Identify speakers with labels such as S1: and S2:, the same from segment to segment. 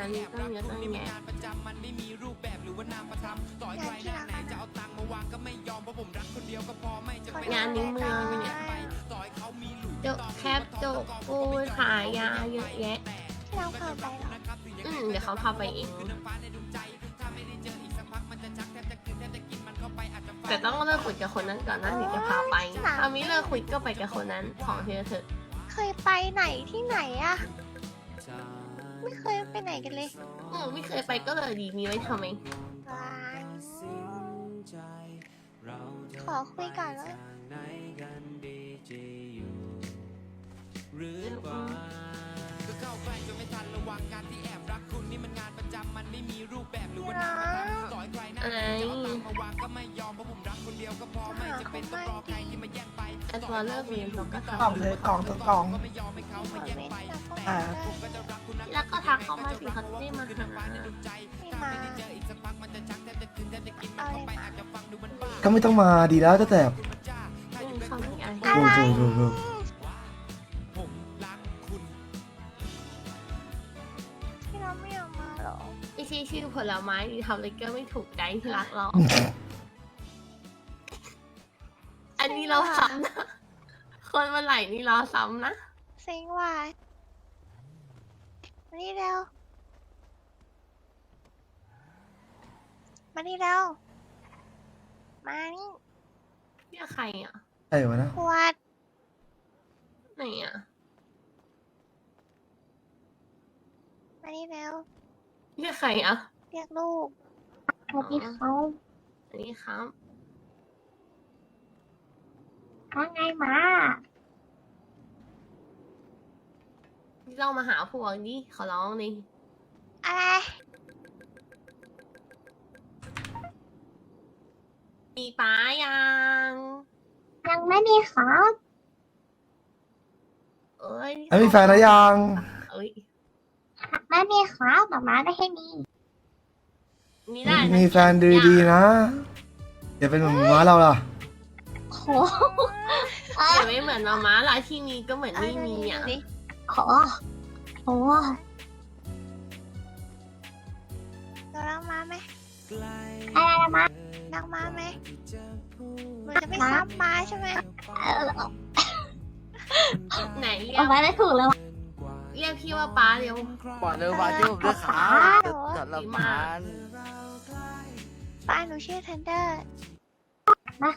S1: านนี้ตั้งเยอะตั้งแยะงานนี้เมืองเนี่ยโจแคปโจปูขายยาเยอะแยะ
S2: เราพาไปเหรอ
S1: เดี๋ยวเขาพาไปเองแต่ต้องเลิกคุยกับคนนั้นก่อนนะถึงจะพาไปถ้ามิเลิกคุยก็ไปกับคนนั้นของเธอเถอะ
S2: เคยไปไหนที่ไหนอะไม่เคยไปไหนกันเลย
S1: ไม่เคยไปก็เลยดีมีไว้ทำไม
S2: ขอคุยก่อนแล้ว
S1: อะไรแอดวอลเลิกเรียนเราก็ทำ
S3: กล่องเลยกล่องตัวกล่อง
S1: แล้วก็ทักเขามาสิเขาจะได้มาหา
S2: ไม่มา
S3: ก็ไม่ต้องมาดีแล้วแต่
S1: เขาไม่อยาก
S3: โอ้โห
S2: ที่เราไม่อยากมาหรอ
S1: ไม่ใช่ชื่อผลไม้ที่ทำอะไรก็ไม่ถูกใจที่รักเราอันนี้เราซ้ำนะคนมาไหลนี่เราซ้ำนะ
S2: เซ็งว่ะมานี่เร็วมานี่เร็วมานี่
S1: เรียกใครอ่ะ
S3: วะนะ
S2: ขวด
S1: ไหนอ่ะ
S2: มานี่เร็ว
S1: เรียกใครอ่ะ
S2: เรียกลูกสวัสดีครับ
S1: สวัสดีครับ
S2: ว่าไงมา
S1: เรามาหาพวกนี้ขอร้องดิ
S2: อะไร
S1: มีป้า
S2: ยังไม่มีครับ
S3: มีแฟนแล้วยัง
S2: ไม่มีครับหมาได้แค่นี้
S3: มีแฟนดีๆนะอย่าเป็นเหมือนม้าเราล่ะ
S2: โห
S1: อย่าไม่เหมือนเราม้าเราที่มีก็เหมือนไม่มีอ่ะ
S2: โหเรารักม้าไหมอะไรนะม้ารักม้าไหมมันจะไม่ซ้ำม้าใช่ไหม
S1: ไหนเรียก
S2: ไม่ได้ถูกเลย
S1: เรียกพี่ว่าป้าเร็ว
S4: บอกเลยว่าที่ผมด้วยขาจัดละ
S2: ป้าหนูชื่อทันเดอร์มา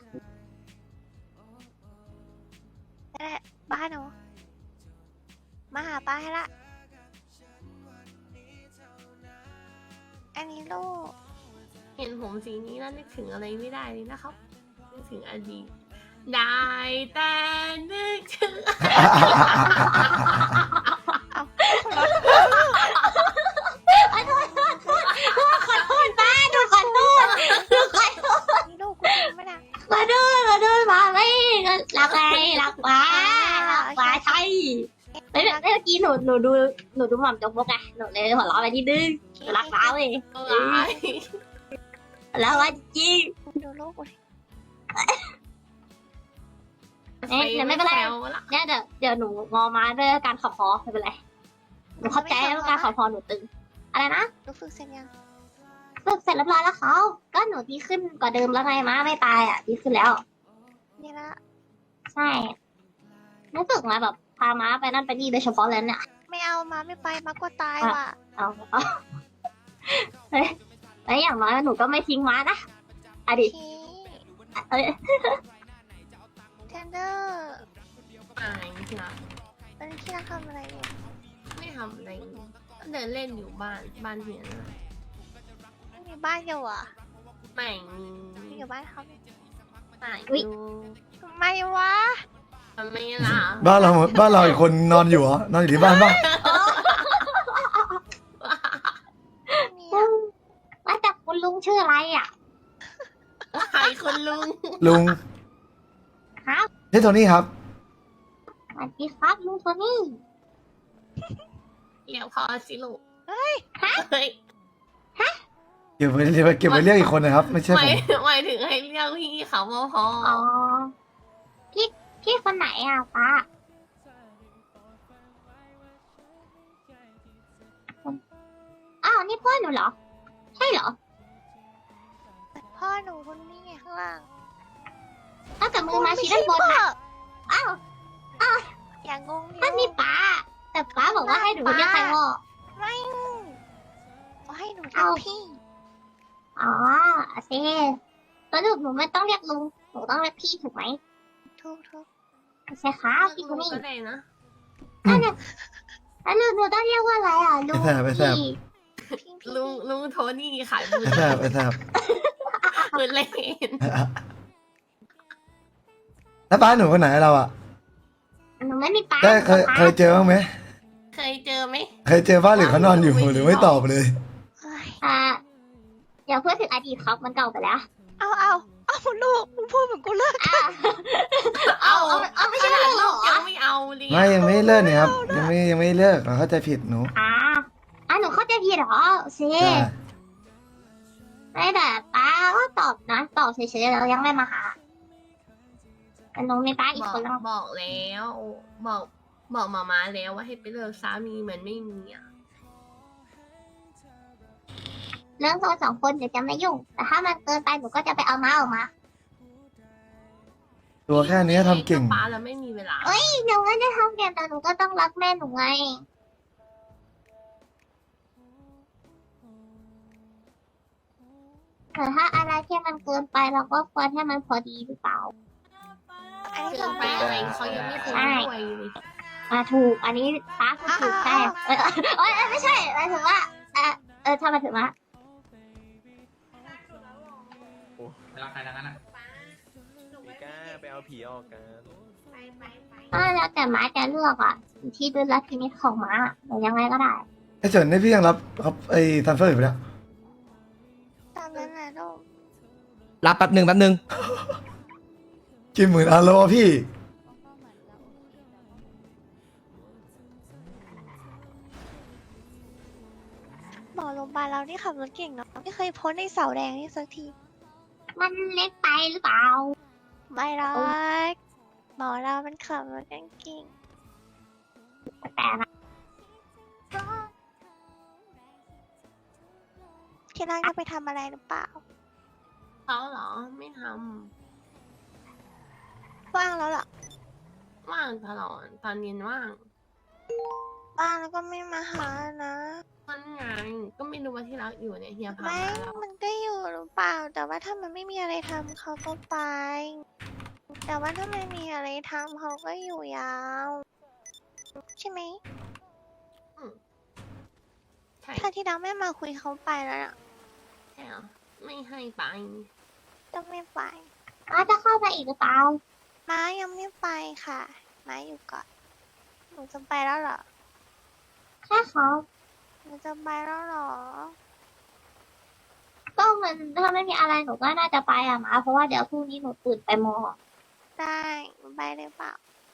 S2: บ้านหนูมาหาป้าให้ละอันนี้ลูก
S1: เห็นผมสีนี้แล้วนึกถึงอะไรไม่ได้เลยนะครับนึกถึงอดีตได้แต่นึกถึง
S2: ขอโทษป้าดูขอโทษนี่ลูกกูจริงไหมนะมาด้วยมาไม่รักไงรักป้าใช่เมื่อกี้หนูดูหม่อมจกมกไงหนูเลยหัวเราะไปที่ดึงรักป้าเลยแล้วว่าจริงดูลูกเลยเนี่ยไม่เป็นไรเนี่ยเดี๋ยวหนูงอมาด้วยการขับคอไม่เป็นไรหนูเข้าใจว่าการขับคอหนูตึงอะไรนะหนูฝึกเสร็จยังฝึกเสร็จเรียบร้อยแล้วเขาก็หนูดีขึ้นกว่าเดิมแล้วไงม้าไม่ตายอ่ะดีขึ้นแล้วนี่ละใช่ไม่ฝึกมาแบบพาม้าไปนั่นไปนี่โดยเฉพาะเลยเนี่ยไม่เอาม้าไม่ไปม้าก็ตายว่ะเอาแล้วอย่างน้อยหนูก็ไม่ทิ้งม้านะอดีตเทนเดอร์
S1: ที่รัก
S2: ตอนนี้ที่รักทำอะไรอยู่
S1: ไม่ทำอะไรก็เดินเล่นอยู่บ้านเฮียนะ
S2: ไม่มีบ้านเดียวอ่ะ
S1: ไม่
S2: มีอยู่บ้านเขา
S1: ไม่ดู
S2: ทำไมวะ
S1: ทำไมล่ะ
S3: บ้านเราอีกคนนอนอยู่เหรอนอนอยู่ที่บ้านป่ะ
S2: ว่าแต่คุณลุงชื่ออะไรอ่ะ
S1: ใครคุณลุง
S2: ครับ
S3: นี่โทนี่ครับ
S2: สวัสดีครับลุงโทนี่
S1: เรียกพอสิลูก
S2: เฮ้ย
S3: เก็บไว้เรียกอีกคนนะครับไม่ใช่ผม
S1: หมายถึงให้เรียกพี่เขาพอ
S2: อ๋อพี่คนไหนอ่ะป้าพ่อหนูเหรอ ใช่เหรอ
S5: พ่อหนูคนนี้ไงข้างล่าง
S2: ถ้ากับมือมาชี้ด้านบนนะอ้าว
S5: อย่างงงเดียว
S2: นั่นนี่ป้า แต่ป้าบอกว่าให้หนูเรียกใครพ่อ
S5: ไม่เขาให้หนู
S2: เอา
S5: ทำพี่
S2: อ๋อโอเคสรุปหนูไม่ต้องเรียกลุง หนูต้องเรียกพี่ถูกไหม
S5: ทุก
S2: โอเคครับพี่
S1: ลุ
S2: คน
S1: ง
S2: นี้
S1: ก็ได้นะ
S2: นั่นน่ะแล้วหนูต้องเรียกว่าอะไรอ่ะลุง
S3: ไปแสบ
S2: พี่
S5: พี่
S1: ลุงโทนี่ขายบุญ
S3: ไอ้แสบไอ้แสบ
S1: บุญเล่น
S3: แล้วป้าหนูคนไหนเราอ่ะ
S2: หนูไม่มีป้า
S3: ได้เคย
S2: หนู
S3: เคยเจอบ้างไหม
S1: เคยเจอไหม
S3: เคยเจอป้าหรือเขานอนอยู่หรือไม่ตอบเลย
S5: เอ้ย
S2: อย่าพูดถึงอดีตครับมันเก่าไปแล้ว
S5: เอาลูกมึงพูดเหมือนกูเลิก
S2: เอาไม่ใช่ลูกเหรอ
S1: ยังไม่เอาเลย
S3: ไม่ยังไม่เลิกเนี่ยครับยังไม่เลิกเราเข้าใจผิดหนู
S2: หนูเข้าใจผิดเหรอโอเค
S3: ใช่
S2: ไม่แต่ป้าก็ตอบนะ ตอบเฉยๆแล้วยังไม่มาหาแต่หนูมีป้าอี
S1: บ
S2: ก
S1: อก
S2: คนแล้ว
S1: บอกแล้วบอกหมาแล้วว่าให้ไปเลิกสามีเหมือนไม่มีอ่ะ
S2: เรื่องตัวสองคนเดี๋ยวจะไม่ยุ่ง แต่ถ้ามันเกินไปหนูก็จะไปเอาม้าออกมา
S3: ตัวแค่นี้ทำเก่ง
S1: ป้าแล้วไม่มีเวลา
S2: หนูไม่ได้ทำเกมแต่หนูก็ต้องรักแม่หนูไงแต่ถ้าอะไรที่มันเกินไปเราก็ควรให้มันพอดีหรือเปล่า
S5: อันนี้
S1: เกิ
S5: คื
S1: น
S5: อ
S1: ไป
S5: ไป
S1: อะไรเขายังไม่คุยด้วยเลย
S2: ถูก อันนี้ป้าพูดถูกใช่ไม่ใช่หมายถึงว่าทำไมถึงว่า
S6: รักใครทั้งนั้นอ่ะ
S7: พี่ก้าไปเอาผีออกกัน
S2: แล้วแต่ม้าจะเลือกอ่ะอยู่ที่ดุลพินิจของม้าหรือยังไงก็ได้
S3: ไอ้เฉินนี่พี่ยังรับครับไอ้ทันเฟอร์อยู่ปะเนี่ย
S5: ตามนั้นแหละลูก
S4: รับแป๊บหนึ่ง
S3: กี่หมื่นอาโลพี่
S5: หมอโรงพยาบาลเรานี่ขับรถเก่งเนาะไม่เคยพ้นในเสาแดงนี่สักที
S2: มันเล็กไปหรือเปล่า
S5: ไม่หรอกหมอเรามันขับรถเก่ง
S2: แต่นะ
S5: ที่ร่างจะไปทำอะไรหรือเปล่า
S1: เขาเหรอไม่ท
S5: ว่างแล้วเหรอ
S1: ำว่างตลอดตอนเย็นว่าง
S5: ว่างแล้วก็ไม่มาหานะ
S1: มันไงก็ไม่รู้ว่าที่รักอยู่เนี่ยเฮียพา
S5: ไม่
S1: มาแล้ว
S5: มันก็อยู่หรือเปล่า แต่ว่าถ้ามันไม่มีอะไรทำเขาก็ไป แต่ว่าถ้าไม่มีอะไรทำเขาก็อยู่ยาว ใช่ไหม
S1: ใช่
S5: ถ้าที่เราไม่มาคุยเขาไปแล้วน่ะ
S1: ใช่เหรอไม่ให้ไป
S5: ต้องไม่ไป
S2: ม้าจะเข้าไปอีกหรือเปล่า
S5: ม้ายังไม่ไปค่ะ ม้าอยู่ก่อน หนูจะไปแล้วเหรอ
S2: ใช่ครับ
S5: หนูจะไปแล้วเหรอ
S2: ก็มันถ้าไม่มีอะไรหนูก็น่าจะไปอะม้าเพราะว่าเดี๋ยวพรุ่งนี้หนูตื่นไปมอ
S5: ได้หนูไปเลยเปล่า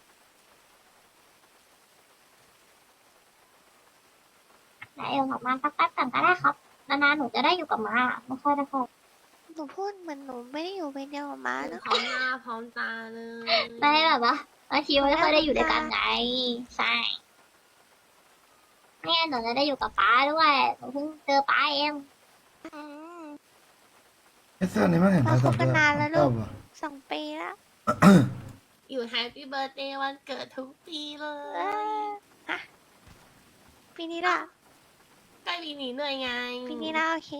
S2: ไหนอยู่กับม้าสักแป๊บก่อนก็ได้ครับนานๆหนูจะได้อยู่กับม้าไม่ค่อยได้เข้า
S5: หนูพูดเหมือนหนูไม่ได้อยู่เป็นเดียวกับม้านะ
S1: พร้อมหน้าพร้อมตาเลย
S2: ไม่แบบว่าบางทีมันไม่ค่อยได้อยู่ด้วยกันไงใช่เนี่ยหนูจะได้อยู่กับป้าด้วยหนูเพิ่งเจอป้าเอง
S5: อืม
S3: ไอ้เสื้อนี้ไม่เห็นใครตอบ
S5: มาคบกันนานแล้วลูก
S3: ชอบว่ะ
S5: 2 ปีแล้ว
S1: อยู่แฮปปี้เบิร์ดเดย์วันเกิดทุกปีเล
S5: เอย อฮะปีนี้ล่ะ
S1: ใกล้ปีนี้เหนื่อยไง
S5: ปีนี้ล่ะโอเค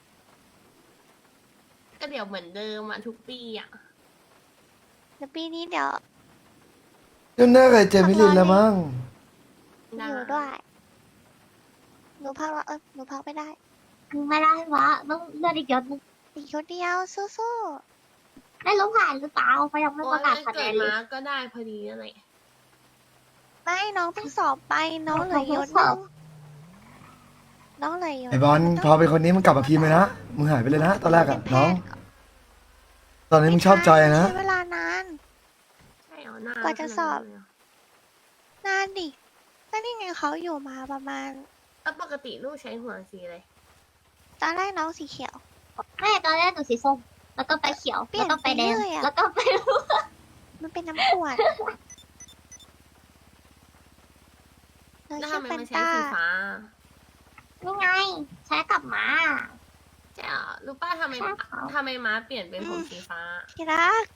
S1: ก็เดี๋ยวเหมือนเดิมอ่ะทุกปีอ่ะ
S5: เดี๋ยวปีนี้เดี๋ยว
S3: ก็น่าเคยเจอมิลินแล้วมั้ง
S5: อยู่ด้วย หนูพักแล้วหนูพักไม่ได้
S2: ไม่ได้วะต้องเลือดอีกยศนึง
S5: อีกคนเดียวสู้
S2: ไม่รู้ผ่านหรือเปล่าเขายังไม่
S1: โอ้
S2: ป
S1: ย
S2: ระกาศ
S1: วัน
S2: คะแน
S1: เกิด
S2: นเล
S1: มาย ก็ได้พอดีนั่นแหละ
S5: ๆไม่น้องเพิ่งสอบไปน้องเหลือยศนึงน้องเหลือยศ
S3: ไอ้บอลพอเป็นคนนี้มึงกลับมาพิมพ์เลยนะมึงหายไปเลยนะตอนแรกอะน้อง ตอนนี้มึงชอบจอยนะ
S5: ใช้เวลานาน
S1: ใช่เหรอหน้าก
S5: ว่าจะสอบ
S1: ขนาดนั้นเลยเหร
S5: นานดิก็นี่ไงเขาอยู่มาประมาณ
S1: แล้วปกติลูกใช้หัวสีอะไร
S5: ตอนแรกน้องสีเขียว
S2: ไม่ตอนแรกหนูสีส้มแล้วก็ไปเขียว
S5: เปลี่ย
S2: แล้
S5: น
S2: วก็ไปแดง
S5: ไปเรื่อยอะ
S2: แล้วก็ไป
S5: มันเป็นน้ำขวดเรา
S1: แล้ว
S5: ชื่
S1: ทำ
S5: อ
S1: ไม
S5: แฟน
S1: ไม่ใช้
S5: ตา
S1: สีฟ้า
S2: หนี่ไงใช้กับหมา
S1: ใช่เหรอรู้ป้าทำไม
S2: ใช่ค่ะ
S1: ม้าเปลี่ยนเป็นผมสีฟ้า
S5: ที่รัก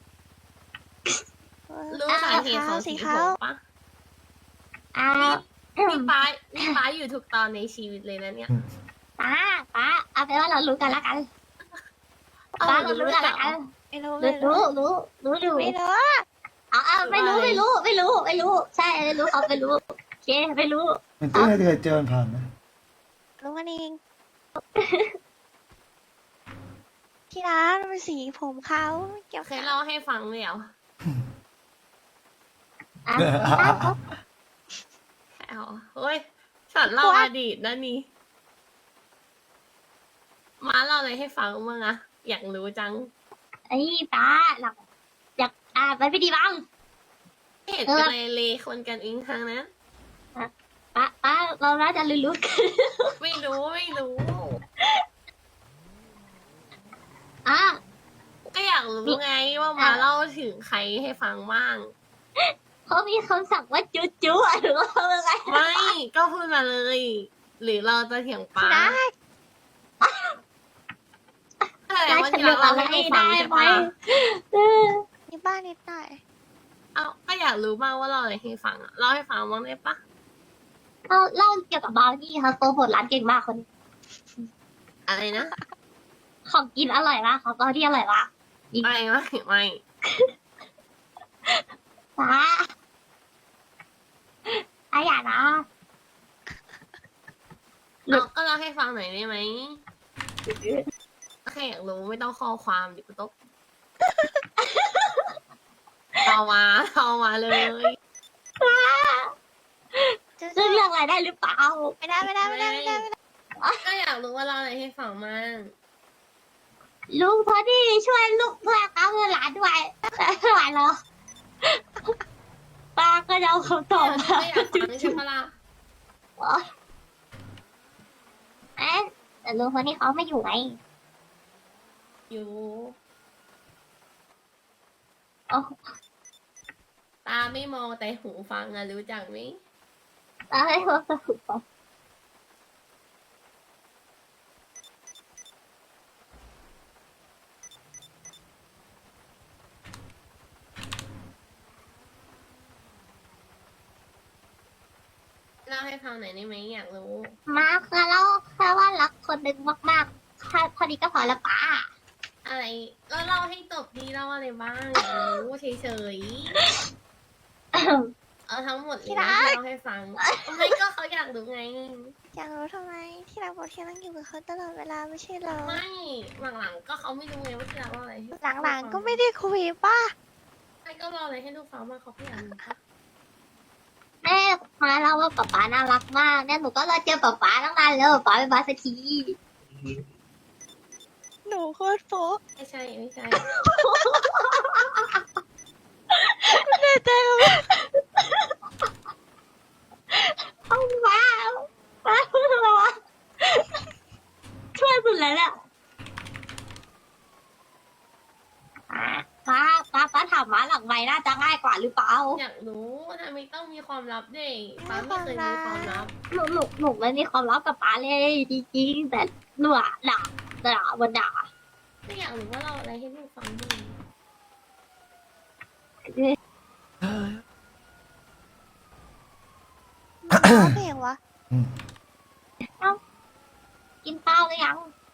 S1: รู้สาเหตุของสีผมปะ
S2: อ่า
S1: นี่ป้าอยู่ทุกตอนในชีวิตเลยนะเนี่ย
S2: ป้าเอาเป็นว่าเรารู้กันละกันป้าเรารู้กันละกัน
S5: ไม่รู้
S2: รู้อยู่
S5: ไม่รู้
S2: เอาไม่รู้ใช่ไม่รู้เขาไม่รู้โอเคไม่รู้
S3: มันเต้เคยเจอมันผ่านไหม
S5: รู้กันเองที่รักมันสีผมเขาไม่เกี่ยว
S1: เคยเล่าให้ฟังเลยเหรอ
S2: อ่ะ
S1: ใช่เหรอเฮ้ยฉันเล่าอดีตนะนี่ม้าเล่าอะไรให้ฟังบ้างอะอยากรู้จัง
S2: ไอ้ป้าหลักอยากมันไม่ดีบ้าง
S1: ไม่เห็นเป็นไรเลยคนกันเองทางนั้น
S2: ป้าเราน่าจะรู้กัน
S1: ไม่รู้
S2: อ่ะ
S1: ก็อยากรู้ไงว่ามาเล่าถึงใครให้ฟังบ้าง
S2: เขามีคำสั่งว่าจุ๊อ่ะหรือว่าอะไร
S1: ไม่ก็พูดมาเลย หรือเราจะเถียงป้าแต่ว่าที่เราเล่าให้ดูฟังใช่ปะ
S5: มีบ้านนิดหน่อย
S1: เอาก็อยากรู้บ้างว่าเราอะไรให้ฟังอะเล่าให้ฟังบ้างได้ปะ
S2: เล่าเกี่ยวกับบราวนี่ค่ะโปรโมทร้านเก่งมากคนนี้
S1: อะไรนะ
S2: ของกินอร่อยมากของบราวนี่อร่อยมาก
S1: ไม่
S2: ป้าอย่านะ
S1: เราก็เล่าให้ฟังหน่อยได้ไหมแค่อยากรู้ไม่ต้องข้อความดิกูตกเอามาเลย
S2: ซึ่งเรื่องอะไรได้หรือเปล่า
S5: ไม่ได้
S1: ก็อยากรู้ว่าเราอะไรให้ฟังมั่ง
S2: ลุงพอดีช่วยลูกเพื่อนเอาเงินหลานด้วยไม่ไหวเหรอป้าก็จะเอาคำตอบมา
S1: ก็อยากฟังใช่ปะล่ะ
S2: เอ๊ะแต่ลุงคนนี้เขาไม่อยู่ไง
S1: อยู่
S2: โอ้
S1: ตาไม่มองแต่หูฟังอะรู้จักไหม
S2: ตาให้เขาสรุปก่อน
S1: เล่าให้ฟังหน่อยได้ไหมอยากรู้
S2: มาคือเล่าแค่ว่ารักคนหนึ่งมากๆแค่พอดีก็พอแล้วป้า
S1: อะไรแล้วเล่าให้จบดีเล่าอะไรบ้างอยากรู้เฉยๆเอาทั้งหมดเลยนะที่เล่าให้ฟังไม่ก็เขาอยากรู้ไง
S5: อยากรู้ทำไมที่รักบอกที่รักอยู่กับเขาตลอดเวลาไม่ใช่เหรอ
S1: ไม่หลังๆก็เขาไม่รู้ไงว่าที่เราเล่าอะไรให้
S5: หลังๆก็ไม่ได้คุยป่ะ
S1: ไม่ก็เล่าอะไรให้ลูกฟังมากเขาก็อยากรู้ปะ
S2: แม่มาเล่าว่าป๊าป๊าน่ารักมากเนี่ยหนูก็รอเจอป๊าป๊าตั้งนานแล้วป๊าไม่มาสักที
S5: หนูโคตรโป๊ะ
S1: ไม่ใช่
S5: แน่ใจว่า
S2: เอาป้าพูดอะไรวะช่วยสุดแล้วเนี่ยป้าถามมาหลังไม้น่าจะง่ายกว่าหรือเปล่า
S1: อยากรู้ทำไมต้องมีความลับเด็กป้าไม่เคยมีความลับ
S2: หนูไม่มีความลับกับป้าเลยจริงๆแต่หนูอะด่าวันด่า
S1: ก็อยากรู้ว่าเราอะไรให้ลูกฟังบ้าง
S5: ร้องเพลงวะ
S2: กินข้าวหรือยัง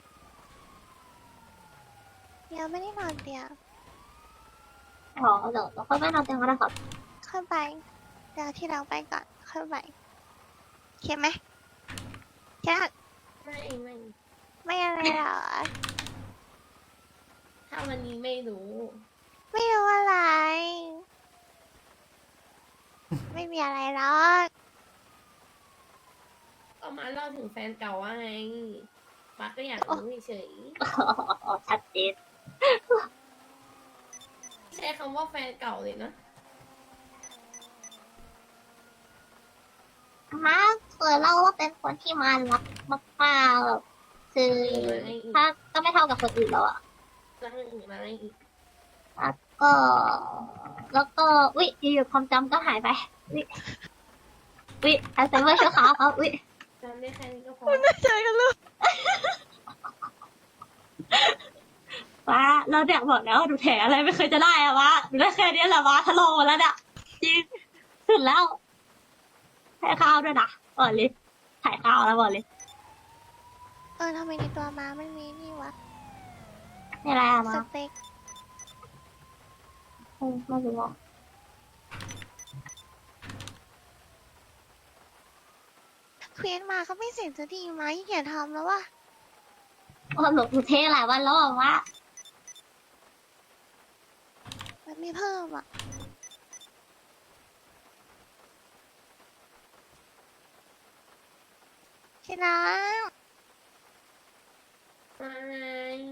S5: เดี๋ยวไม่ได้นอนเตียง
S2: อ๋อเดี๋ยวเราค่อยไปนอนเตียงกันนะครับ
S5: ค่อยไปเดี๋ยวที่เราไปก่อนค่อยไปเขียนไหมที่รัก ไม่อะไรหรอ
S1: ถ้าวันนี้ไม่รู้
S5: ไม่รู้อะไร ไม่มีอะไรหรอก
S1: ก็มาเล่าถึงแฟนเก่าว่าไงป้าก็อยากรู้เฉย
S2: อ๋อชัดเจน
S1: ใช้คำว่าแฟนเก่าเลยนะ
S2: มาเคยเล่าว่าเป็นคนที่มารักมากๆแบบคือถ้าก็ไม่เท่ากับคนอื่นแล้วอะ
S1: แล้วอีกอะไรอีก
S2: แล้วก็อุ๊ยอยู่ๆความจำก็หายไปอุ๊ยอัลไซเมอร์ชั่วคราวครับอุ๊ย
S1: ใจจำได้แค่นี้ก็พอ
S5: เจอกันลูก
S2: ว้าเราเนี่ยบอกแล้วว่าหนูแถอะไรไม่เคยจะได้อะวะหนูได้แค่นี้แหละวะทะลงมาแล้วเนี่ยจริงสุดแล้วถ่ายข้าวด้วยนะบอกเลยถ่ายข้าวแล้วบอกเลย
S5: ทำไมในตัวม้ามันมีนี่วะ
S2: นี่อะไรอะ
S5: ส
S2: มา
S5: เต็ก
S2: ไม่รู้อ่ะ
S5: เควสมาเขาไม่เสร็จสักทีไหมอย่าทำแล้ววะ
S2: ว่าหนูเทหลายวันแล้วอะวะ
S5: มันไม่เพิ่มอ่ะชนะ
S1: มาไง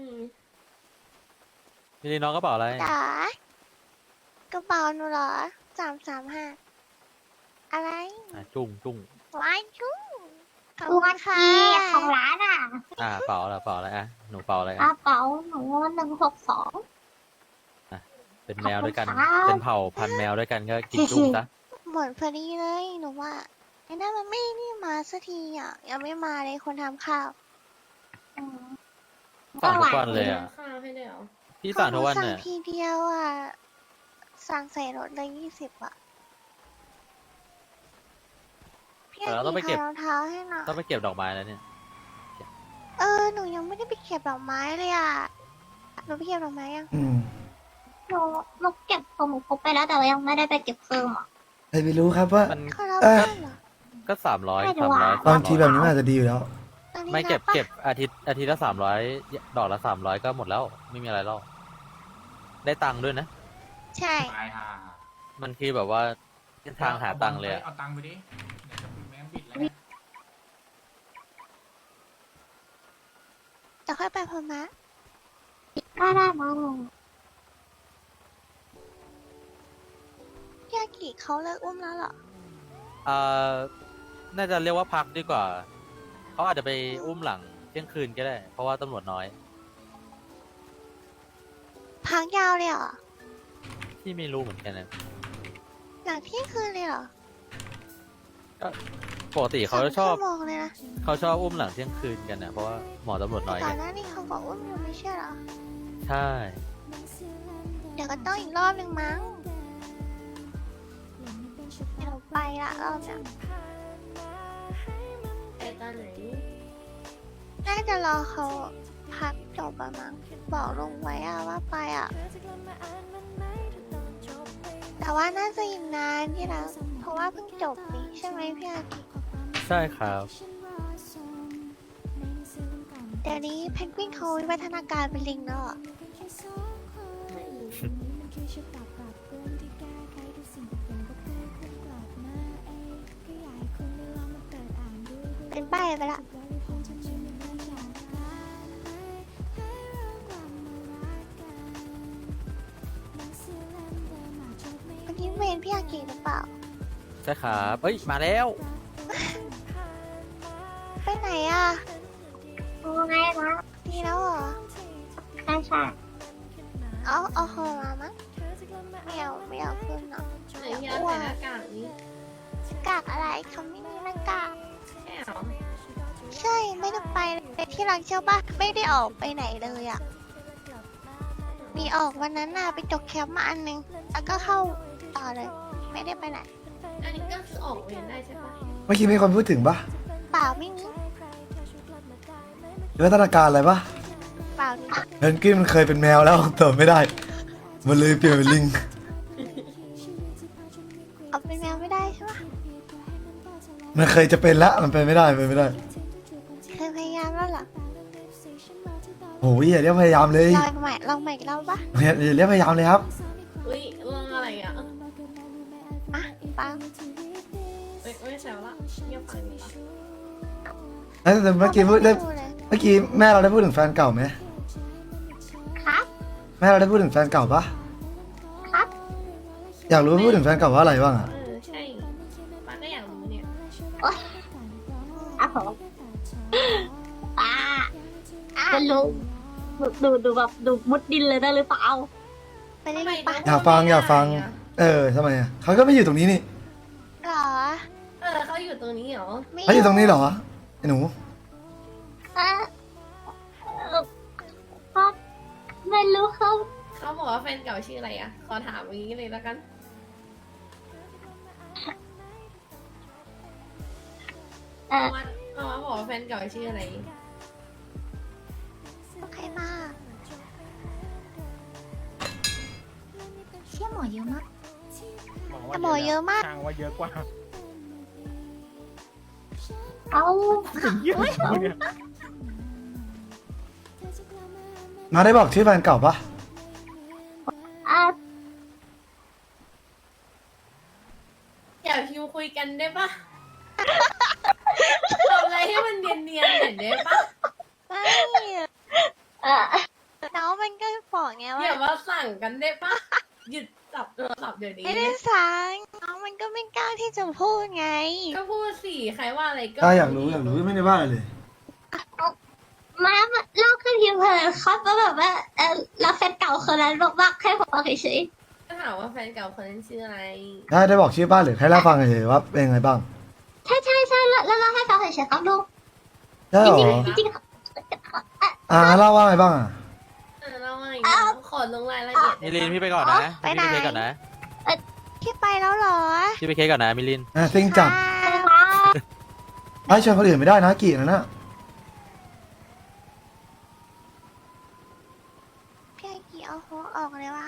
S7: พี่ลีน้องกระเป๋าอะไร
S5: จ๋ากระเป๋าหนูเหรอ335อะไร
S7: จุ้ง
S5: ว้ายจุ้งขอบ
S2: ดู
S5: คุ
S2: มา
S5: ณ
S2: ที
S5: ค่ะ
S2: ของร้านอ่ะ
S7: เป๋าอะไรเป๋าอะไรหนูเป๋าอะไร
S2: กระเป๋าหนู162
S7: เป็นแมวด้วยกัน
S2: ขอบคุณครับ
S7: เป็นเผ่าพันธุ์แมวด้วยกันก็กินจุ้งซะ
S5: หมดพอดีเลยหนูว่าไอ้นั่นมันไม่นี่มาสักทีอ่ะยังไม่มาเลยคนทำข้าว
S7: สั่งทุกวันเลยอ่ะ
S1: ข้าวให้ด้วยเหรอ
S7: พี่สั่งทุกวัน
S5: สั่ง
S7: เนี่ย
S5: ทีเดียวอ่ะสั่งใส่รถเลย20อ่ะพี่
S7: แต่เราต้องไปเก็บ
S5: ขารองเท้าให้หน่อย
S7: ต้องไปเก็บดอกไม้แล้วเนี่ย
S5: หนูยังไม่ได้ไปเก็บดอกไม้เลยอ่ะหนูไปเก็บดอกไม้ยัง
S2: หนูเก็บของหนูครบไปแล้วแต่ว่ายังไม่ได้ไปเก็บเพิ่มอ่ะ
S3: ใครไปรู้ครับว่า
S7: มัน
S5: เขารับ
S3: เอ่อ
S5: บ้านเหรอ
S7: ก็300
S2: ไม่รู้อะ
S3: บางทีแบบนี้มันอาจจะดีอยู่แล้ว
S5: ตอนนี้
S7: ไม่เก็บ
S5: นัปะ
S7: เก็บอาทิตย์ละ300ดอกละ300ก็หมดแล้ว ไม่มีอะไรแล้วได้ตังค์ด้วยนะ
S5: ใช่
S6: ตายห่า
S7: มันคือแบบว่าเส้นทางหาตังค์เลยอะ
S6: เอาตังค์ไปดิเดี๋ยวจะปิดแม่งปิดแล้วเนี่ย
S5: จะค่อยไปพม่า
S2: ได้มา
S5: พี่อากิเขาเลิกอุ้มแล้วเหรอ
S7: น่าจะเรียกว่าพักดีกว่า เขาอาจจะไปอุ้มหลังเที่ยงคืนก็ได้ เพราะว่าตำรวจน้อย
S5: พักยาวเลยเหรอ
S7: ที่ไม่รู้เหมือนกันนะ
S5: หลังเที่ยงคืนเลยเหรอ
S7: ปกติเขาชอบ
S5: 2 ชั่วโมงเลยนะ
S7: เขาชอบอุ้มหลังเที่ยงคืนกันนะเพราะว่าหมอตำรวจน้อย
S5: ก่อ
S7: ไง
S5: นหน้านี้เขาบอกอุ้มอยู่ไม่ใช่เหรอ
S7: ใช่
S5: เดี๋ยวก็ต้องอีกรอบหนึ่งมั้งเดี๋ยวไปละรอบเนี้ย
S1: ไปตอนไหน
S5: น่าจะรอเขาพักจบอะมั้งบอกลุงไว้อะว่าไปอะแต่ว่าน่าจะอีกนานที่แล้วเพราะว่าเพิ่งจบนี่ใช่ไหมพี่อากิ
S7: ใช่ครับ
S5: เดี๋ยวนี้เพนกวินเขาวิวัฒนาการเป็นลิงแล้วเหรอ เป็นใบไปละเมื่อกี้เมนพี่อากิหรือเปล่า
S7: ใช่ครับเอ้ยมาแล้ว
S5: ไปไหนอ่ะ
S2: ไงนะ
S5: ดีแล้วเหรอ
S2: ใช่
S5: เอาหอมามั้งไม่เอาขึ้นเนาะ
S1: ไหนที่เราใส่หน้ากากนี้
S5: กากอะไรเขาไม่มีหน้ากาก
S1: ใช่เหรอ
S5: ใช่ไม่ได้ไปเลยที่รักเชื่อปะไม่ได้ออกไปไหนเลยอ่ะ มีออกวันนั้นน่ะไปจกแคปมาอันนึง แล้วก็เข้าต่อเลย ไม่ได้ไปไหน
S1: อันนี้ก็คือออกเวรได้ใช่ปะ
S3: เมื่อกี้มีคนพูดถึงปะ
S5: เปล่าไม่มี
S3: วิวัฒนาการอะไรปะ
S5: เปล่านี่
S3: เพนกวินมันเคยเป็นแมวแล้วเติมไม่ได้ มันเลยเปลี่ยนเป็นลิง
S5: เอาเป็นแมวไม่ได้ใช่ปะ
S3: มันเคยจะเป็นละมันเป็นไม่ได้เป็นไม่ได้
S5: เคยพยายามแล้วเหรอ
S3: โอ้ยอย่าเรียกพยายามเลย
S5: ลองใหม่อีกรอบปะ
S3: อย่าเรียกพยายามเลยครับ
S1: อุ้ยเรื่องอะไรอ่ะ
S5: อ่ะเปล่า
S1: ไม่แซวละเงียบฟังดีปะ
S3: แต่เมื่อกี้พูด
S5: เล
S3: เมื่อกี้แม่เราได้พูดถึงแฟนเก่าไหม
S2: ครับ
S3: แม่เราได้พูดถึงแฟนเก่าปะ
S2: ครับ
S3: อยากรู้ว่าพูดถึงแฟนเก่าว่าอะไรบ้างอะ
S1: ใช่ป้าก็อยากรู้เนี่ย
S2: อ่ะผมป้าจะรู้ดูแบบดูมุดดินเลยได้หรือเปล่า
S5: ไปเล่นปะ
S3: อยากฟังทำไมอะเขาก็ไม่อยู่ตรงนี้นี่
S5: หรอ
S1: เขาอยู่ตรงนี้เหรอ
S5: ไม่
S3: เขาอยู่ตรงนี้เหรอหนู
S2: ครับไม่รู้ครับ
S1: เขาบอกว่าแฟนเก่าชื่ออะไรอ่ะ ขอถามอย่างนี้เลยแล้วกัน มาบอกว่าแฟนเก่าชื่ออะไร
S5: ใครมา
S2: เชี่ยหมอเยอะมาก
S5: แต่หมอเยอะมาก
S6: ช่างว่าเยอะกว่า
S2: เอา
S6: เยอะกว่าเนี่ย
S3: มาได้บอกชื่อแฟนเก่าปะ
S2: อ่ะ
S1: อย่าพิมพ์คุยกันได้ปะ ทำอะไรให้มันเนียนๆหน่อยได้ปะ
S5: ไม่
S2: เอ่อ
S5: น้องมันก็บอกไง
S1: อย่า
S5: ว่า
S1: มาสั่งกันได้ปะ หยุดจับโทรศัพท์เดี๋ยวนี้
S5: ไม่ได้สั่งน้องมันก็ไม่กล้าที่จะพูดไง
S1: ก็พูดสิใครว่าอะไรก็
S3: ถ้าอยากรู้ไม่ได้ว่าอะไรเลย
S2: มาเล่าขึ้นทีมเพลินครับว่าแบบว่าเราแฟนเก่าคนนั้นบอกว่าแค่ผมเฉย
S1: ก็ถามว่าแฟนเก่าคนนั้นชื่ออะไร
S3: ได้บอกชื่อบ้านหรือแค่เล่าฟังเฉยๆว่าเป็นยังไงบ้าง
S2: ๆใช่แล้วเล่าให้ฟังเฉยๆครับลูก
S3: ได้เหรอ
S2: จริงๆครับ
S3: เล่าว่าไงบ้างอ่ะ
S1: เราว่าอย่างนี้ขอลงรายละเอียด
S7: มิลินพี่ไปก่อนนะ
S5: ไปไหน
S7: พี่ไปเคสก่อนนะ
S5: พี่ไปแล้วเหรอ
S7: พี่ไปเคสก่อนนะมิลิน
S3: ซิงจัด
S5: ค่ะ
S3: ไอ้ชวนคนอื่นไม่ได้นะกี่นะน่ะ
S5: พี่ไอกี่เอาหัวออกเลยวะ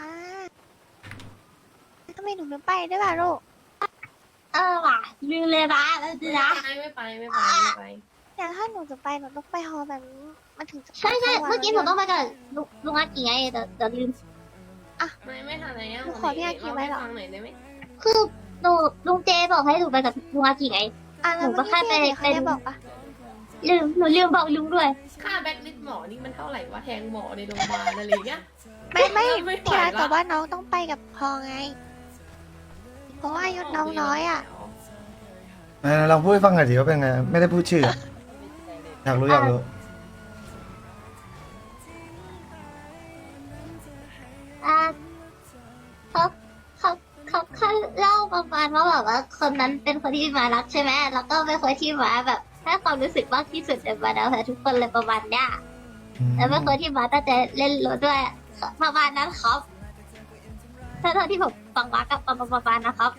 S5: ทำไมหนูไม่ไปด้วยล่ะลูก
S2: ว่ะลืมเลยนะแล้วสินะ
S1: ไม่ไป
S5: แต่ถ้าหนูจะไปหนูต้องไปฮอลแบบนี้มันถึงจะ
S2: ใช่เมื่อกี้หนูต้องไปกับลุงอากี่ไงแต่ลืม
S1: ไม่ทันอะไรอ่ะ
S5: หนูขอพี่อากี่ไว้เหรอ
S1: ฟังหน่อยได้ไหม
S2: คือลุงเจบอกให้หนูไปกับลุงอากี่ไง
S5: แล้ว
S2: หนูก็แค่ไป
S5: เมื่อกี้เขาได้บอกปะ
S2: หนูลืมบอกลุงด้วย
S1: ค่าแบ็คลิสต์หมอนี่มันเท่าไหร่วะแทงหมอในโรงพยาบาลอะไรเงี้ย
S5: ไม่
S1: ไม่ไหว
S5: พี่อาร์ต
S1: ละ
S5: แต่ว่าน้องต้องไปกับพอไง เพราะว่าอายุน้องน้อยอ่ะ
S3: ลองพูดให้ฟังหน่อยดิว่าเป็นไง ไม่ได้พูดชื่อ อยากรู้
S2: เขาแค่เล่าประมาณว่าแบบว่าคนนั้นเป็นคนที่มารักใช่ไหมแล้วก็เป็นคนที่มาแบบให้ความรู้สึกมากที่สุดในบรรดาแฟนทุกคนเลยประมาณเนี้ยแล้วเป็นคนที่มาตั้งใจเล่นรถด้วยประมาณนั้นครับเท่าที่ผมฟังมากับประมาณนะครับ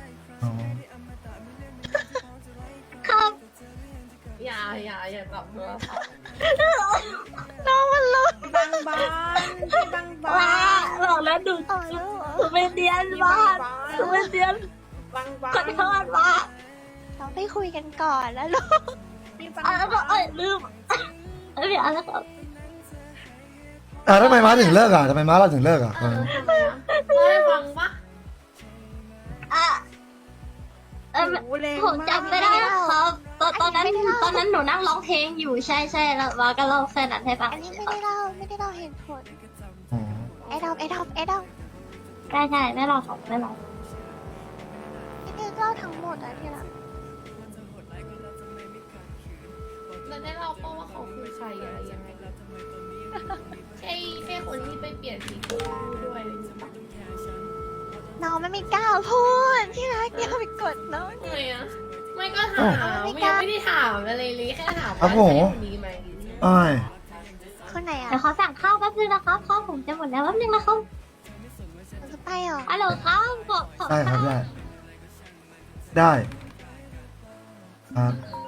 S2: ครับ
S1: อย่าจับโทรศัพท์
S5: บางบ้านพี่บางบ้า
S2: ว้าน บอกแล้วดู
S5: ต่อแล้วเหรอ
S2: หนูเป็นเดียนบ้านหนูเป็นเดียน
S5: บางบ้า
S2: ขอน โทษว่า
S5: เราไปคุยกันก่อนแล้วลูกพี่บางบ้าน
S2: ลืมเดี๋ยวแล้วก็
S3: ทำไมม้าถึงเลิกอ่ะทำไมม้าเราถึงเลิกอ่ะ
S1: ทำไมวะเล่าให้ฟังปะ
S2: ผมจำไม่ได้ครับตอนนั้นหนูนั่งร้องเพลงอยู่ใช่แล้วว่าก็เล่าแค่นั้นให้ฟัง
S5: อันนี้ไม่ได้เล่าเหตุผลไอ้ดอม
S2: ใช่ไม่รอของไม่รอ
S5: ไม่ได้เล่าทั้งหมดอะที่ละ
S1: แล้วได้เล่าปะว่าเขาคือใครอะไรยังไงใช่คนที่ไปเปลี่ยนสีผมด้วยหรือเปล่า
S5: น้องไม่กล้าพูดที่รักอย่าไปกดน้อง
S1: ทำไมอ่ะไม่ก็ถามไม่ได้ถามอะไรเลยแค่ถามว่า
S3: ครับผม
S1: ใช่คนนี้ไหม
S3: อ้าย
S5: คนไหนอะ
S2: เดี๋ยวขอสั่งข้าวแป๊บนึงนะครับข้าวผมจะหมดแล้วแป๊บนึงนะครับ
S5: หนูจะไปเหรอ
S2: ฮัลโหลครับขอ
S3: ได้ครับ
S2: ข้าว
S3: ได้ครับ